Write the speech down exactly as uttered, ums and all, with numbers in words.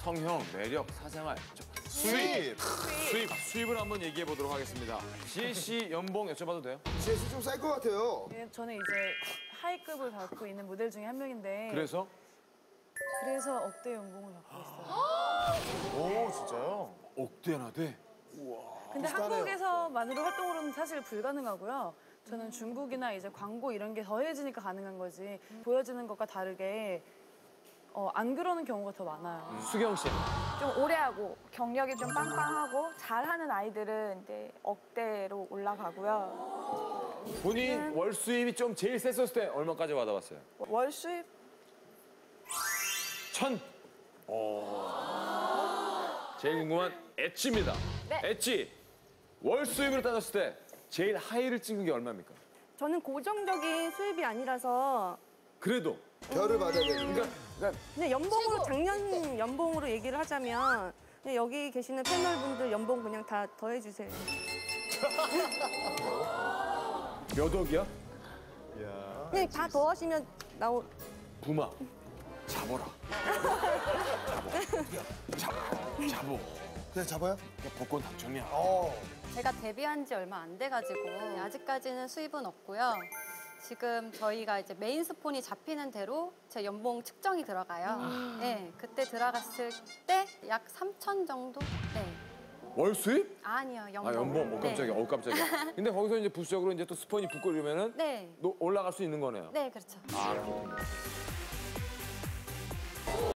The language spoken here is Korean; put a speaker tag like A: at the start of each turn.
A: 성형, 매력, 사생활, 수입. 수입. 수입을 한번 얘기해 보도록 하겠습니다. 지혜 씨 연봉 여쭤봐도 돼요?
B: 지혜 씨 좀 쌀 것 같아요.
C: 예, 저는 이제 하이급을 받고 있는 모델 중에 한 명인데
A: 그래서?
C: 그래서 억대 연봉을 받고 있어요.
B: 오, 진짜요?
A: 억대나 돼?
C: 근데
B: 비슷하네요.
C: 한국에서만으로 활동으로는 사실 불가능하고요. 저는 중국이나 이제 광고 이런 게 더해지니까 가능한 거지. 보여지는 것과 다르게 어, 안 그러는 경우가 더 많아요.
A: 수경 씨.
D: 좀 오래 하고 경력이 좀 빵빵하고 잘하는 아이들은 이제 억대로 올라가고요.
A: 본인 월 수입이 좀 제일 셌었을 때 얼마까지 받아봤어요?
D: 월 수입
A: 천. 어. 제일 궁금한 엣지입니다.
D: 네.
A: 엣지. 월 수입으로 따졌을 때 제일 하이를 찍은 게 얼마입니까?
E: 저는 고정적인 수입이 아니라서
A: 그래도.
B: 별을 받아야 되는
A: 그러니까, 그러니까
E: 그냥 연봉으로 작년 연봉으로 얘기를 하자면 그냥 여기 계시는 패널분들 연봉 그냥 다 더해주세요.
A: 몇 억이야?
E: 그냥 다 더하시면 나오.
A: 부마. 잡어라. 잡어. 잡어.
B: 그냥 잡아요?
A: 그냥 복권 당첨이야.
B: 어.
F: 제가 데뷔한 지 얼마 안 돼가지고 아직까지는 수입은 없고요. 지금 저희가 이제 메인 스폰이 잡히는 대로 제 연봉 측정이 들어가요. 네, 그때 들어갔을 때 약 삼천 정도? 네.
A: 월 수입?
F: 아니요, 연봉.
A: 아 연봉. 어 깜짝이야.
F: 네.
A: 어 깜짝이야. 근데 거기서 이제 부수적으로 이제 또 스폰이 붙고 이러면은
F: 네.
A: 너 올라갈 수 있는 거네요.
F: 네, 그렇죠.
A: 아 그렇군요.